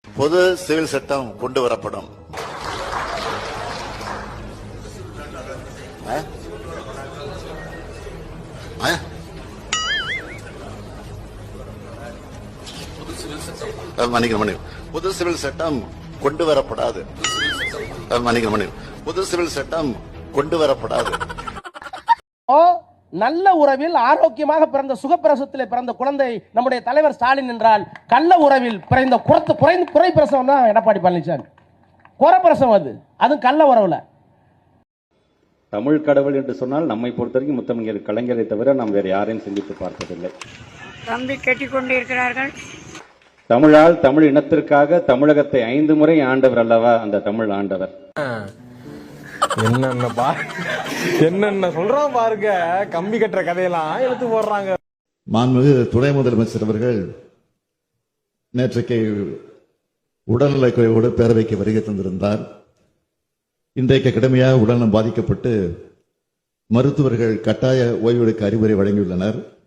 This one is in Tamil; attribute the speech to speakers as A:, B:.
A: பொது சிவில் சட்டம் கொண்டு வரப்படும். பொது சிவில் சட்டம் கொண்டு வரப்படாது. பொது சிவில் சட்டம் கொண்டு வரப்படாது.
B: நல்ல உறவில் ஆரோக்கியமாக பிறந்த சுகப்பிரசவத்தில் பிறந்த குழந்தை நம்முடைய தலைவர் ஸ்டாலின் என்றால், கள்ள உறவில் பிறந்த குறை பிரசவம் தான் எடப்பாடி பழனிசாமி. குறப்பிரசவம் அது கள்ள உறவுல.
C: தமிழ் கடவுள் என்று சொன்னால் நம்மை பொறுத்தவரைக்கும் முத்தமிழர் கலைஞரை தவிர நாம் வேறு யாரையும் சிந்தித்து பார்த்ததில்லை.
D: தம்பி கேட்டுக்கொண்டிருக்கிறார்கள்.
C: தமிழால் தமிழ் இனத்திற்காக தமிழகத்தை 5 முறை ஆண்டவர் அல்லவா அந்த தமிழ் ஆண்டவர்.
E: என்னென்ன சொல்றான் பாருங்க, கம்பி கட்டுற கதையெல்லாம் எடுத்து போடுறாங்க.
F: மாண்புமிகு துணை முதலமைச்சர் அவர்கள் நேற்றைக்கு உடல்நலக் குறைவோடு பேரவைக்கு வருகை தந்திருந்தார். இன்றைக்கு கடுமையாக உடல்நலம் பாதிக்கப்பட்டு மருத்துவர்கள் கட்டாய ஓய்வெடுக்க அறிவுரை வழங்கியுள்ளனர்.